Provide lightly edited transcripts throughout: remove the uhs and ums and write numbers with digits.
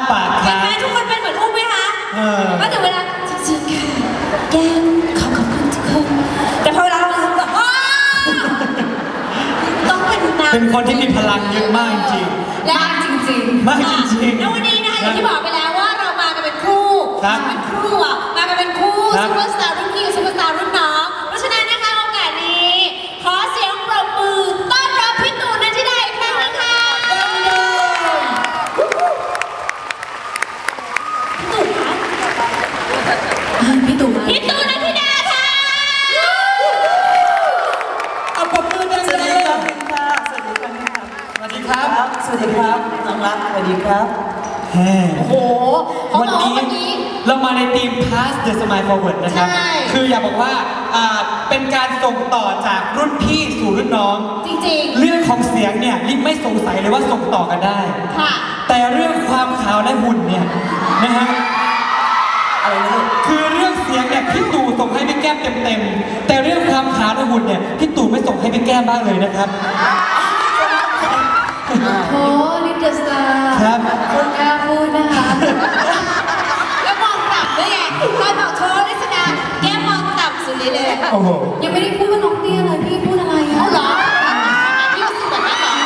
ปากค้างทุกคนเป็นเหมือนอุ้มไหมคะก็ถึงเวลาจริงๆค่ะแก้มขอบคุณทุกคนแต่พอเวลาเราแบบต้องเป็นคนที่มีพลังเยอะมากจริงและจริงมากจริงแล้ววันนี้นะคะอย่างที่บอกไปแล้วว่าเรามากันเป็นคู่เป็นคู่อ่ะมากันเป็นคู่ซุปเปอร์สตาร์รุ่นพี่ซุปเปอร์สตาร์รุ่นน้องเพราะฉะนั้นนะคะโอกาสนี้ขอเสียงปรบมือต้อนรับพี่ตู่นันทิดาอีกครั้งนะคะพี่ตู่นันทิดาค่ะเอาปรบมือดังๆสวัสดีครับสวัสดีครับน้องรักสวัสดีครับโอ้โหวันนี้เรามาในทีม Pass the Smile Forward นะครับคืออยากบอกว่าเป็นการส่งต่อจากรุ่นพี่สู่รุ่นน้องจริงๆเรื่องของเสียงเนี่ยลิฟไม่สงสัยเลยว่าส่งต่อกันได้ค่ะแต่เรื่องความขาวและหุ่นเนี่ยนะฮะอะไรนะคือเรื่องเสียงเนี่ยพี่ตู่ส่งให้พี่แก้มเต็มๆแต่เรื่องความขาวและหุ่นเนี่ยพี่ตู่ไม่ส่งให้พี่แก้มบ้างเลยนะครับโอ้ลิเดอร์สตาร์ครับคุณกล้าพูดนะคะแล้วมองต่ำด้วยไงใครบอกโชว์ลิสดาแก้มมองต่ำสุดเลยโอ้โหยังไม่ได้พูดว่าน้องเตี้ยเลยพี่พูดอะไรอ่ะเหรอพี่รู้สึกแบบนั้นเหรอ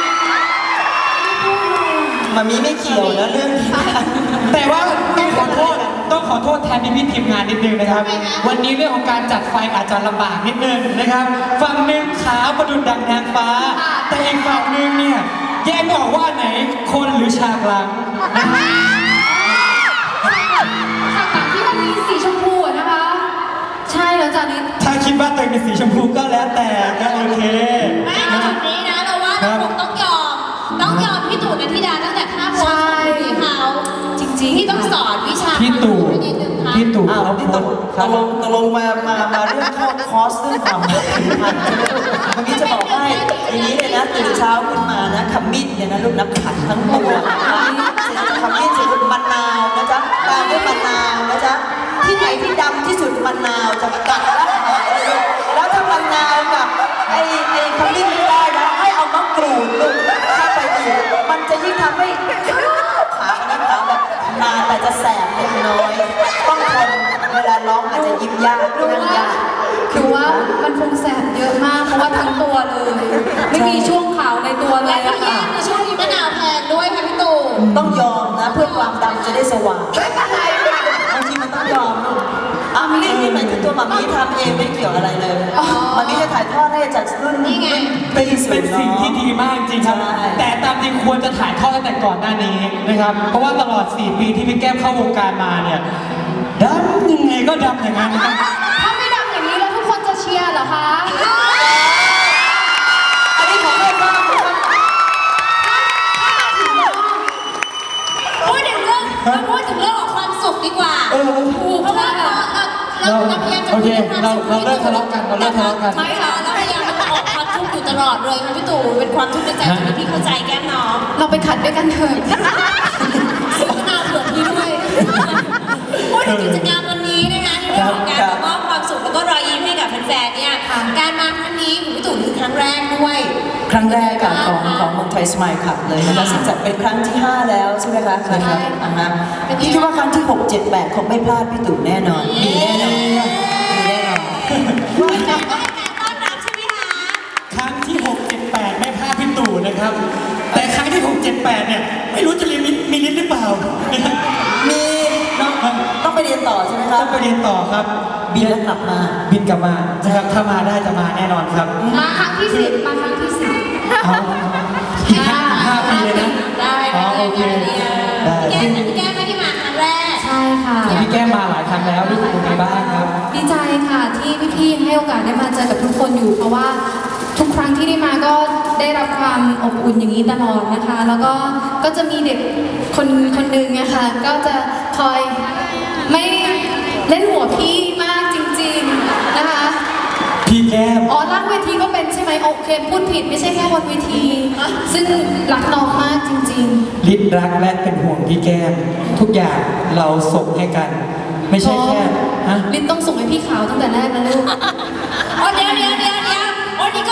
มามีไม่เกี่ยวนะเรื่องแต่ว่าต้องขอโทษแทนพี่ทีมงานนิดนึงนะครับวันนี้เรื่องของการจัดไฟอาจจะลำบากนิดนึงนะครับฝั่งหนึ่งขาวประดุจดังนางฟ้าแต่อีกฝั่งหนึ่งเนี่ยแยกไม่ออกว่าไหนคนหรือฉากหลังฉากหลังที่มันมีสีชมพูนะคะใช่แล้วจ้านิดถ้าคิดว่าตัวเองเป็นสีชมพูก็แล้วแต่ก็โอเคไม่ในจุดนี้นะเราว่าเราคงต้องยอมพี่ตู่นันทิดาตั้งแต่ท่าโพสของพี่เขาจริงๆที่ต้องสอนวิชาพี่ตู่เขาพี่ตู่ตกลงมาเรื่องเข้าคอร์สเรื่องความผิวพรรณใช่ไหมเมื่อกี้จะบอกให้อย่างนี้เลยนะตื่นเช้าขึ้นมานะขมิ้นเนี่ยนะลูกน้ำขัดทั้งตัวขมิ้นเสร็จลูกมะนาวนะจ๊ะตามด้วยมะนาวนะจ๊ะที่ไหนที่ดำที่สุดมะนาวจะกัดแล้วหายเลยแล้วถ้ามะนาวกับไอ้ขมิ้นไม่ได้นะให้เอามะกรูดลูกเข้าไปอีกมันจะยิ่งทำให้ขาแบบนาแต่จะแสบเล็กน้อยต้องทนเวลาร้องอาจจะยิ้มยากนั่งยากคือว่ามันคงแสบเยอะมากเพราะว่าทั้งตัวเลยไม่มีช่วงขาวในตัวเลยและที่แย่คือช่วงนี้มะนาวแพงด้วยค่ะพี่ตู่ต้องยอมนะเพื่อความดำจะได้สว่างบางทีมันต้องยอมลูกนี่หมายถึงตัวมามีทำเองไม่เกี่ยวอะไรเลยมามีจะถ่ายทอดให้จากรุ่นนี่ไงเป็นสิ่งที่ดีมากจริงครับแต่ตามจริงควรจะถ่ายทอดตั้งแต่ก่อนหน้านี้นะครับเพราะว่าตลอด4 ปีที่พี่แก้มเข้าวงการมาเนี่ยดำยังไงก็ดำอย่างนั้นถ้าไม่ดำอย่างนี้แล้วทุกคนจะเชียร์เหรอคะอันนี้ของใครบ้างพูดถึงเรื่องของความสุขดีกว่าเพราะว่าเราพยายามจะโอเคเราเลิกทะเลาะกันไม่ค่ะเราพยายามจะออกความทุกข์อยู่ตลอดเลยค่ะพี่ตู่เป็นความทุกข์ในใจที่พี่เข้าใจแก้มน้องเราไปขัดด้วยกันเถอะซื้อมะนาวเผื่อพี่ด้วยพูดถึงกิจกรรมวันนี้นะคะในเรื่องของการมอบความสุขแล้วก็รอยยิ้มให้กับแฟนๆเนี่ยการมาครั้งนี้ของพี่ตู่คือครั้งแรกด้วยครั้งแรกของเมืองไทยสมายคลับเลยนะคะซึ่งจัดเป็นครั้งที่5แล้วใช่ไหมคะใช่ครับพี่คิดว่าครั้งที่6 7 8คงไม่พลาดพี่ตู่แน่นอนมีแน่นอนว่าจะได้การต้อนรับใช่ไหมคะครั้งที่6 7 8ไม่พลาดพี่ตู่นะครับแต่ครั้งที่6 7 8เนี่ยไม่รู้จะมีลิ้นหรือเปล่ามีต้องไปเรียนต่อใช่ไหมครับต้องไปเรียนต่อครับบินแล้วกลับมานะครับถ้ามาได้จะมาแน่นอนครับมาครั้งที่10มาครั้งที่10 อีก5 ปีเลยนะได้โอเคพี่แก้มไม่ได้มาครั้งแรกใช่ค่ะพี่แก้มมาหลายครั้งแล้วรู้สึกยังไงบ้างครับดีใจค่ะที่พี่ๆให้โอกาสได้มาเจอกับทุกคนอยู่เพราะว่าทุกครั้งที่ได้มาก็ได้รับความอบอุ่นอย่างนี้ตลอดนะคะแล้วก็จะมีเด็กคนหนึ่งนะคะก็จะคอยไม่เล่นหัวพี่มากจริงๆนะคะพี่แก้มล่างเวทีก็เป็นใช่ไหมโอเคพูดผิดไม่ใช่แค่บนเวทีซึ่งรักน้องมากจริงๆลิศรักและเป็นห่วงพี่แก้มทุกอย่างเราส่งให้กันไม่ใช่แค่ลิศต้องส่งให้พี่ขาวตั้งแต่แรกนะลูกเดี๋ยววันนี้ก็เราก็พยายาม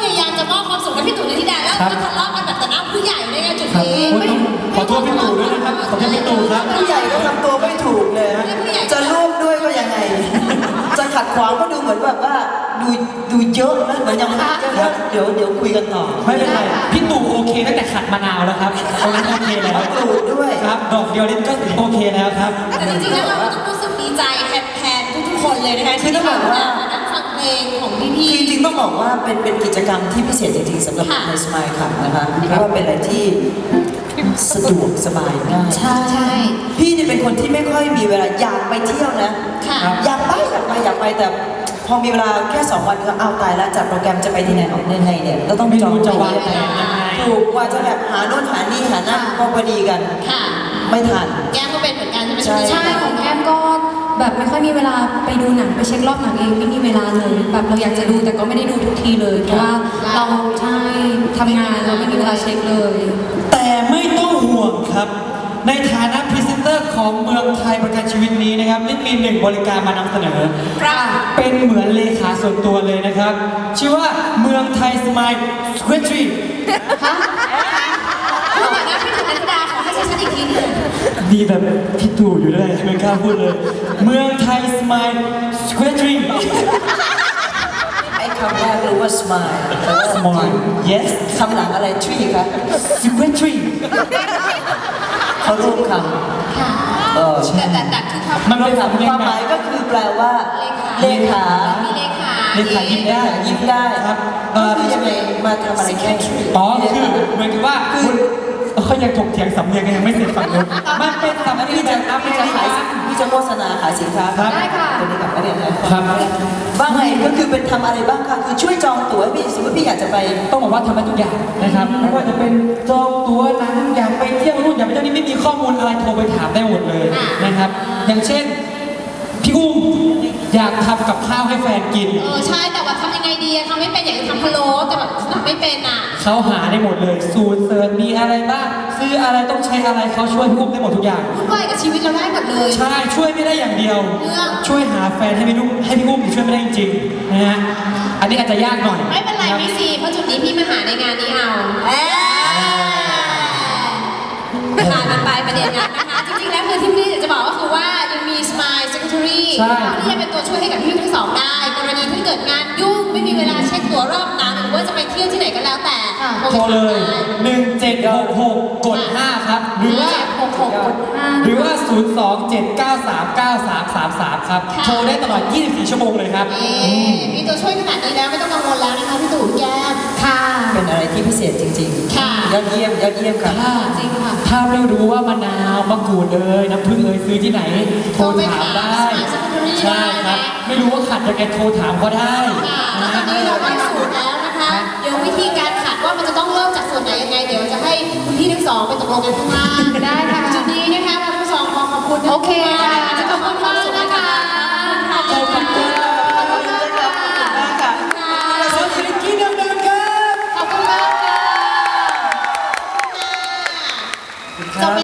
ยายามจะมอบความสุขให้พี่ตู่นิติดาแล้วก็ทะเลาะกันแบบต่อหน้าผู้ใหญ่ด้วยไงจุดนี้ขอโทษพี่ตู่ด้วยนะครับขอโทษพี่ตู่ครับผู้ใหญ่ก็ทำตัวไม่ถูกเลยฮะจะร่วมด้วยก็ยังไง จะขัดขวางก็ดูเหมือนแบบว่าดูเยอะนะเหมือนยังไม่เยอะเดี๋ยวคุยกันต่อไม่เป็นไรพี่ตู่โอเคตั้งแต่ขัดมะนาวแล้วครับตรงนั้นโอเคแล้วกรูดด้วยครับดอกเดียวนี่ก็โอเคแล้วครับแต่จริงๆแล้วเราก็ต้องรู้สึกดีใจแทนทุกๆคนเลยนะคะที่ได้มานั่งฟังเพลงของพี่จริงๆต้องบอกว่าเป็นกิจกรรมที่พิเศษจริงๆสำหรับในสมายครับนะคะเพราะว่าเป็นอะไรที่สะดวกสบายง่ายใช่พี่นี่เป็นคนที่ไม่ค่อยมีเวลาอยากไปเที่ยวนะค่ะอยากไปแต่พอมีเวลาแค่2 วันก็เอาตายแล้วจัดโปรแกรมจะไปที่ไหนออกยังไงเนี่ยเราต้องไม่รู้จองจะวางไปแผนยังไงถูกกว่าจะแบบหาโน่นหานี่หานั่นพอดีกันค่ะไม่ทันแก้มก็เป็นเหมือนกันใช่ไหมใช่ใช่ของแอมก็แบบไม่ค่อยมีเวลาไปดูหนังไปเช็ครอบหนังเองไม่มีเวลาเลยแบบเราอยากจะดูแต่ก็ไม่ได้ดูทุกทีเลยเพราะว่าเราใช่ทำงานเราไม่มีเวลาเช็คเลยแต่ไม่ต้องห่วงครับ ในฐานะพรีเซนเตอร์ของเมืองไทยประกันชีวิตนี้นะครับนิดมี1บริการมานำเสนอครับเป็นเหมือนเลขาส่วนตัวเลยนะครับ ชื่อว่าเมืองไทยสมายสควิตรีฮะพูดเหมือนนะพี่ตู่นิติดาขอให้ชัดๆอีกทีหนึงดีแบบพี่ตู่อยู่ด้วยไม่กล้าพูดเลย เมืองไทยสมายสควิตรีไอ้คำแรกรู้ว่า smile แต่ว่า Smile yes คำหลังอะไร tree คะสควิตรีเขาร่วมคค่ะำแต่คือคำมันเป็นคสำเนียวาง มแบหบมายก็คือแปลว่าเลขาเลขามีเลขาเลขายิ้มได้ยิ้มได้ครับก็คือยังไงมาทำอะไรแค่อ๋อคือเหมือนกับว่าคุณเขายังถกเถียงสำเนียงกันยังไม่เสร็จฝั่งนู้นมันเป็นสำเนียงพี่แบจะบอเมพี่ริจะขายกันพี่จะโฆษณาขายสินค้าครับได้ค่ะตัวนี้กับประเด็นนะครับ ว่าไงก็คือเป็นทำอะไรบ้างคะคือช่วยจองตั๋วให้พี่สมมติพี่อยากจะไปต้องบอกว่าทำได้ทุกอย่างนะครับไม่ว่าจะเป็นจองตั๋วหนังอยากไปเที่ยวนู่นอยากไปเที่ยวนี่ไม่มีข้อมูลอะไรโทรไปถามได้หมดเลยนะครับ อย่างเช่นพี่อุ้มอยากทำกับข้าวให้แฟนกินใช่แต่ว่าทำยังไงดีอะทำไม่เป็นอยากจะทำพะโล้แต่แบบทำไม่เป็นอ่ะเขาหาได้หมดเลยสูตรเสิร์ชมีอะไรบ้างซื้ออะไรต้องใช้อะไรเขาช่วยพี่อุ้มได้หมดทุกอย่างวุ่นวายกับชีวิตเราได้หมดเลยใช่ช่วยไม่ได้อย่างเดียวเรื่องช่วยหาแฟนให้พี่อุ้มอีกช่วยไม่ได้จริงๆนะฮะอันนี้อาจจะยากหน่อยไม่เป็นไรพี่ซีเพราะจุดนี้พี่มาหาในงานนี้เอาผ่านมันไปประเด็นนั้นนะคะ จริงๆแล้วคือที่พี่อยากจะบอกก็คือว่ายังมี Smile Secretary ใช่ที่จะเป็นตัวช่วยให้กับพี่ทั้งสองได้ กรณีที่เกิดงานยุ่งไม่มีเวลาเช็คตั๋วรอบหนังหรือว่าจะไปเที่ยวที่ไหนก็แล้วแต่โทรเลย 1766 กด 5 ครับ หรือว่า 66กด5 หรือว่า 027939333 ครับ โทรได้ตลอด 24 ชั่วโมงเลยครับมีตัวช่วยขนาดนี้แล้วไม่ต้องกังวลแล้วนะคะพี่ตู่แก้มค่ะเป็นอะไรที่พิเศษจริงๆค่ะยอดเยี่ยมค่ะจริงค่ะถ้าไม่รู้ว่ามะนาวมะกรูดน้ำผึ้งซื้อที่ไหน โทรถามได้ ใช่ครับ ไม่รู้ว่าขัดยังไงโทรถามก็ได้ค่ะแล้วนะตอนนี้เราได้สูตรแล้วนะคะ เดี๋ยววิธีการขัดว่ามันจะต้องเริ่มจากส่วนไหนยังไง เดี๋ยวจะให้คุณพี่ทั้งสองไปตกลงกันข้างล่างได้ค่ะจุดนี้นะคะเราทั้งสองขอขอบคุณโอเคค่ะจะขอบคุณมากนะคะขอบคุณ